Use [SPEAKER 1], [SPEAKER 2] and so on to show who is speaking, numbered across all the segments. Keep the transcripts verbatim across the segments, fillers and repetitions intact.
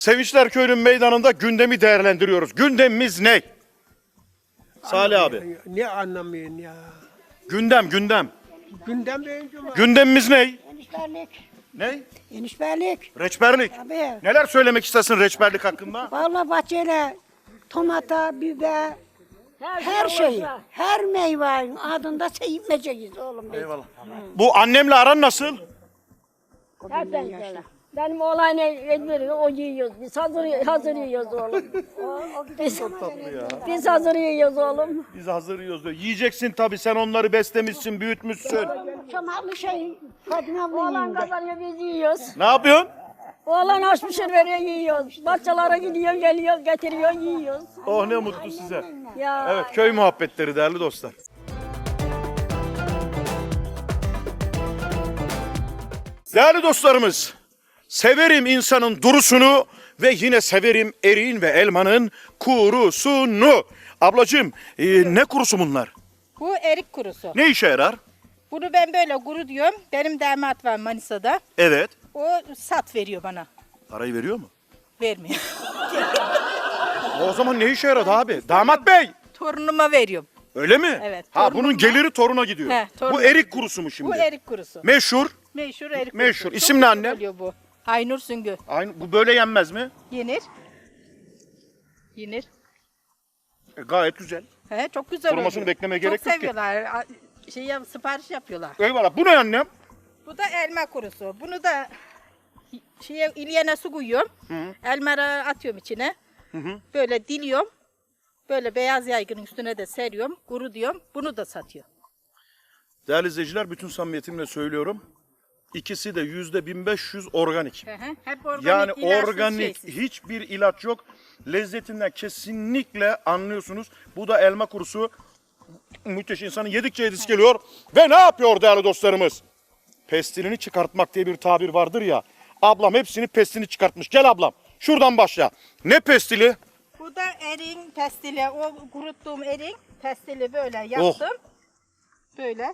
[SPEAKER 1] Sevinçler Köyü'nün meydanında gündemi değerlendiriyoruz. Gündemimiz ne? Salih abi.
[SPEAKER 2] Ne anlamıyorsun ya?
[SPEAKER 1] Gündem, gündem.
[SPEAKER 2] Gündem deyince mi?
[SPEAKER 1] Gündemimiz ne?
[SPEAKER 3] Enişberlik.
[SPEAKER 1] Ne?
[SPEAKER 3] Enişberlik.
[SPEAKER 1] Reçberlik.
[SPEAKER 3] Tabii.
[SPEAKER 1] Neler söylemek istersin reçberlik hakkında?
[SPEAKER 3] Vallahi bahçeyle tomata, biber, her şeyi, her meyvenin adında seyitmeyeceğiz oğlum. biz.
[SPEAKER 1] Eyvallah. Bu annemle aran nasıl?
[SPEAKER 4] Hep ben böyle. Benim oğlan veriyor, o yiyoruz. Biz hazır, hazır yiyoruz oğlum. Biz, biz hazır yiyoruz oğlum.
[SPEAKER 1] Biz hazır yiyoruz diyor. Yiyeceksin tabii, sen onları beslemişsin, büyütmüşsün.
[SPEAKER 3] Çamarlı şey Fadime abla
[SPEAKER 4] Oğlan
[SPEAKER 3] yiyince.
[SPEAKER 4] kazanıyor, biz yiyoruz.
[SPEAKER 1] Ne yapıyorsun?
[SPEAKER 4] Oğlan aş pişir veriyor, yiyoruz. Bahçelere gidiyor, geliyor, getiriyor, yiyoruz.
[SPEAKER 1] Oh ne mutlu size.
[SPEAKER 4] Ya.
[SPEAKER 1] Evet, köy muhabbetleri değerli dostlar. Değerli dostlarımız, severim insanın durusunu ve yine severim eriğin ve elmanın kurusunu. Ablacığım, e, ne kurusu bunlar?
[SPEAKER 5] Bu erik kurusu.
[SPEAKER 1] Ne işe yarar?
[SPEAKER 5] Bunu ben böyle kuru diyorum. Benim damat var Manisa'da.
[SPEAKER 1] Evet.
[SPEAKER 5] O sat veriyor bana.
[SPEAKER 1] Parayı veriyor mu?
[SPEAKER 5] Vermiyor.
[SPEAKER 1] O zaman ne işe yaradı abi? Damat bey!
[SPEAKER 5] Torunuma veriyorum.
[SPEAKER 1] Öyle mi?
[SPEAKER 5] Evet,
[SPEAKER 1] Ha,
[SPEAKER 5] torunuma-
[SPEAKER 1] bunun geliri toruna gidiyor.
[SPEAKER 5] He, torunuma
[SPEAKER 1] Bu erik kurusu mu şimdi?
[SPEAKER 5] Bu erik kurusu.
[SPEAKER 1] Meşhur.
[SPEAKER 5] Meşhur erik
[SPEAKER 1] Meşhur.
[SPEAKER 5] kurusu.
[SPEAKER 1] İsim
[SPEAKER 5] Çok
[SPEAKER 1] ne
[SPEAKER 5] güzel
[SPEAKER 1] annem?
[SPEAKER 5] oluyor bu. Aynur Süngü.
[SPEAKER 1] Aynı, bu böyle yenmez mi?
[SPEAKER 5] Yenir. Yenir.
[SPEAKER 1] E, gayet güzel.
[SPEAKER 5] He, çok güzel
[SPEAKER 1] Kurumasını
[SPEAKER 5] oluyor.
[SPEAKER 1] beklemeye gerek
[SPEAKER 5] çok
[SPEAKER 1] yok ki.
[SPEAKER 5] seviyorlar. A- Şey, yap- sipariş yapıyorlar.
[SPEAKER 1] Eyvallah. Bu ne annem?
[SPEAKER 5] Bu da elma kurusu. Bunu da şeye, ilyene su koyuyorum. Elmaları atıyorum içine. Böyle diliyorum. Böyle beyaz yaygının üstüne de seriyorum. Kuru diyorum. Bunu da satıyor.
[SPEAKER 1] Değerli izleyiciler, bütün samimiyetimle söylüyorum. İkisi de yüzde bin beş yüz organik.
[SPEAKER 5] Hı hı. Hep organik,
[SPEAKER 1] Yani
[SPEAKER 5] ilaçsız,
[SPEAKER 1] organik,
[SPEAKER 5] şeysiz.
[SPEAKER 1] hiçbir ilaç yok. Lezzetinden kesinlikle anlıyorsunuz. Bu da elma kurusu. Müthiş, insanın yedikçe yedisi geliyor. Ve ne yapıyor değerli dostlarımız? Pestilini çıkartmak diye bir tabir vardır ya. Ablam hepsini pestilini çıkartmış. Gel ablam, şuradan başla. Ne pestili?
[SPEAKER 5] Bu da erin pestili. O kuruttuğum erin pestili böyle
[SPEAKER 1] Oh.
[SPEAKER 5] yaptım. Böyle.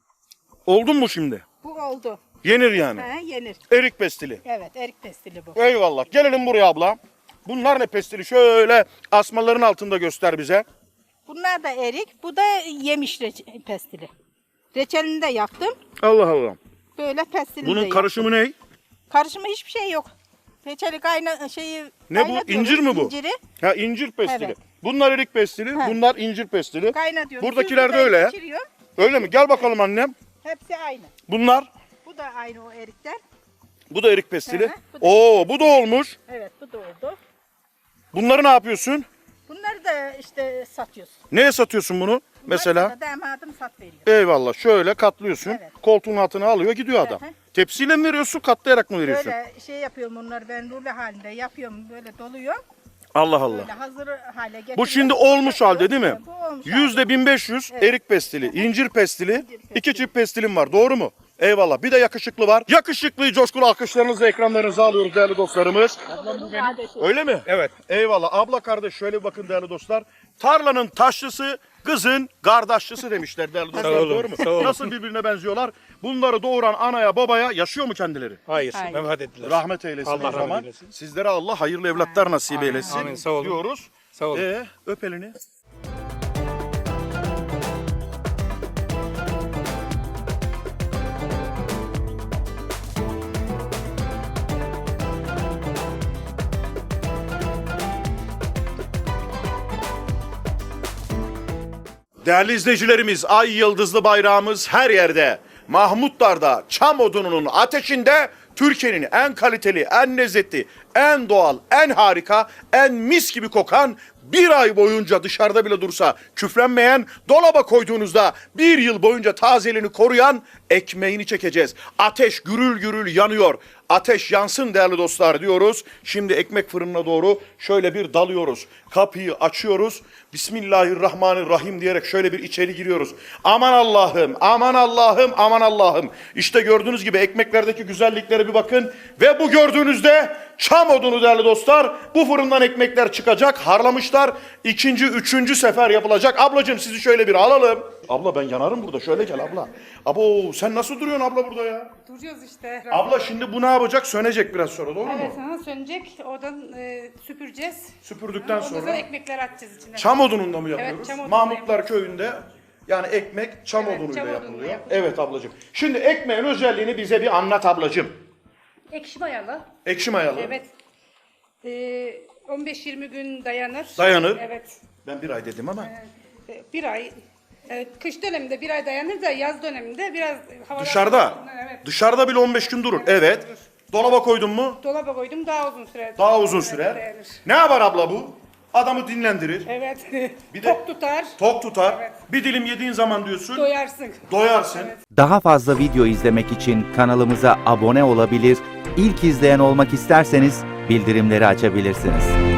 [SPEAKER 1] Oldun mu şimdi?
[SPEAKER 5] Bu oldu.
[SPEAKER 1] Yenir yani.
[SPEAKER 5] He, yenir.
[SPEAKER 1] Erik pestili.
[SPEAKER 5] Evet, erik pestili bu.
[SPEAKER 1] Eyvallah. Gelelim buraya abla. Bunlar ne pestili? Şöyle asmaların altında göster bize.
[SPEAKER 5] Bunlar da erik. Bu da yemiş reçe- pestili. Reçelini de yaptım.
[SPEAKER 1] Allah Allah.
[SPEAKER 5] Böyle pestilini de
[SPEAKER 1] Bunun
[SPEAKER 5] yaptım.
[SPEAKER 1] karışımı ne?
[SPEAKER 5] Karışımı hiçbir şey yok. Reçeli kayna şeyi
[SPEAKER 1] Ne bu?
[SPEAKER 5] kaynatıyoruz,
[SPEAKER 1] İncir mi bu?
[SPEAKER 5] İnciri
[SPEAKER 1] Ha, incir pestili.
[SPEAKER 5] Evet.
[SPEAKER 1] Bunlar erik pestili,
[SPEAKER 5] He.
[SPEAKER 1] bunlar incir pestili.
[SPEAKER 5] kaynatıyoruz.
[SPEAKER 1] Buradakiler de
[SPEAKER 5] Süzgüden
[SPEAKER 1] öyle.
[SPEAKER 5] geçiriyorum.
[SPEAKER 1] Öyle mi? Gel bakalım annem.
[SPEAKER 5] Hepsi aynı.
[SPEAKER 1] Bunlar,
[SPEAKER 5] Bu da aynı o erikler.
[SPEAKER 1] bu da erik pestili.
[SPEAKER 5] Hı hı, bu da-
[SPEAKER 1] Oo, bu da olmuş.
[SPEAKER 5] Evet, bu da oldu.
[SPEAKER 1] Bunları ne yapıyorsun?
[SPEAKER 5] Bunları da işte satıyoruz.
[SPEAKER 1] Neye satıyorsun bunu? Mesela.
[SPEAKER 5] Bunları da damadım sat veriyor.
[SPEAKER 1] Eyvallah. Şöyle katlıyorsun.
[SPEAKER 5] Evet.
[SPEAKER 1] Koltuğun altına alıyor, gidiyor adam.
[SPEAKER 5] Hı hı.
[SPEAKER 1] Tepsiyle mi veriyorsun, katlayarak mı veriyorsun?
[SPEAKER 5] Böyle şey yapıyorum bunları ben rulo halinde yapıyorum. Böyle doluyorum.
[SPEAKER 1] Allah Allah.
[SPEAKER 5] Böyle hazır hale getiriyorum.
[SPEAKER 1] Bu şimdi olmuş halde değil mi?
[SPEAKER 5] Bu olmuş halde.
[SPEAKER 1] Yüzde bin beş yüz erik pestili, incir pestili, iki çift pestilim var. Doğru mu? Eyvallah. Bir de yakışıklı var. Yakışıklıyı coşkulu alkışlarınızla ekranlarınıza alıyoruz değerli dostlarımız. Öyle mi? Evet. Eyvallah. Abla kardeş şöyle bir bakın değerli dostlar. Tarlanın taşlısı, kızın kardeşlisi demişler değerli dostlar.
[SPEAKER 6] olun,
[SPEAKER 1] Doğru mu?
[SPEAKER 6] sağ olun.
[SPEAKER 1] Nasıl birbirine benziyorlar? Bunları doğuran anaya babaya yaşıyor mu kendileri?
[SPEAKER 6] Hayır,
[SPEAKER 5] Hayır.
[SPEAKER 6] vefat ettiler.
[SPEAKER 1] Rahmet eylesin
[SPEAKER 6] Allah
[SPEAKER 1] o zaman.
[SPEAKER 6] rahmet eylesin.
[SPEAKER 1] Sizlere Allah hayırlı evlatlar nasip eylesin
[SPEAKER 6] Amin, sağ olun.
[SPEAKER 1] diyoruz.
[SPEAKER 6] Sağ olun.
[SPEAKER 1] Ee, öp elini. Değerli izleyicilerimiz, ay yıldızlı bayrağımız her yerde. Mahmutlar'da, çam odununun ateşinde Türkiye'nin en kaliteli, en lezzetli, en doğal, en harika, en mis gibi kokan, bir ay boyunca dışarıda bile dursa küflenmeyen, dolaba koyduğunuzda bir yıl boyunca tazeliğini koruyan ekmeğini çekeceğiz. Ateş gürül gürül yanıyor. Ateş yansın değerli dostlar diyoruz. Şimdi ekmek fırınına doğru şöyle bir dalıyoruz. Kapıyı açıyoruz. Bismillahirrahmanirrahim diyerek şöyle bir içeri giriyoruz. Aman Allah'ım, aman Allah'ım, aman Allah'ım. İşte gördüğünüz gibi ekmeklerdeki güzelliklere bir bakın. Ve bu gördüğünüzde çam odunu değerli dostlar. Bu fırından ekmekler çıkacak. Harlamışlar. İkinci, üçüncü sefer yapılacak. Ablacığım sizi şöyle bir alalım. Abla ben yanarım burada. Şöyle gel abla. Abo sen nasıl duruyorsun abla burada ya?
[SPEAKER 6] Duruyoruz işte.
[SPEAKER 1] Abla şimdi bu ne yapacak? Sönecek biraz sonra doğru
[SPEAKER 6] Evet,
[SPEAKER 1] mu?
[SPEAKER 6] sana sönecek. Oradan e, süpüreceğiz.
[SPEAKER 1] Süpürdükten
[SPEAKER 6] Ondan sonra
[SPEAKER 1] sonra
[SPEAKER 6] ekmekler atacağız içine.
[SPEAKER 1] çam odununda mı yapıyoruz?
[SPEAKER 6] çam odununda
[SPEAKER 1] Mahmutlar köyünde yani ekmek çam
[SPEAKER 6] Evet,
[SPEAKER 1] odunuyla
[SPEAKER 6] çam odunuyla
[SPEAKER 1] yapılıyor.
[SPEAKER 6] yapılıyor.
[SPEAKER 1] Evet ablacığım. Şimdi ekmeğin özelliğini bize bir anlat ablacığım.
[SPEAKER 6] Ekşi mayalı.
[SPEAKER 1] Ekşi mayalı.
[SPEAKER 6] Evet. E, on beş yirmi gün dayanır.
[SPEAKER 1] Dayanır.
[SPEAKER 6] Evet.
[SPEAKER 1] Ben bir ay dedim ama.
[SPEAKER 6] E, bir ay. e, kış döneminde bir ay dayanır da yaz döneminde biraz havalar...
[SPEAKER 1] Dışarıda.
[SPEAKER 6] Evet.
[SPEAKER 1] Dışarıda bile on beş gün durur. Evet. dolaba koydun mu?
[SPEAKER 6] Dolaba koydum daha uzun süre.
[SPEAKER 1] Daha uzun
[SPEAKER 6] Evet,
[SPEAKER 1] sürer.
[SPEAKER 6] dayanır.
[SPEAKER 1] Ne yapar abla bu? Adamı dinlendirir.
[SPEAKER 6] Evet.
[SPEAKER 1] Bir de-
[SPEAKER 6] Tok tutar.
[SPEAKER 1] Tok tutar.
[SPEAKER 6] Evet.
[SPEAKER 1] Bir dilim yediğin zaman diyorsun.
[SPEAKER 6] Doyarsın.
[SPEAKER 1] Doyarsın.
[SPEAKER 7] Daha fazla video izlemek için kanalımıza abone olabilir, ilk izleyen olmak isterseniz bildirimleri açabilirsiniz.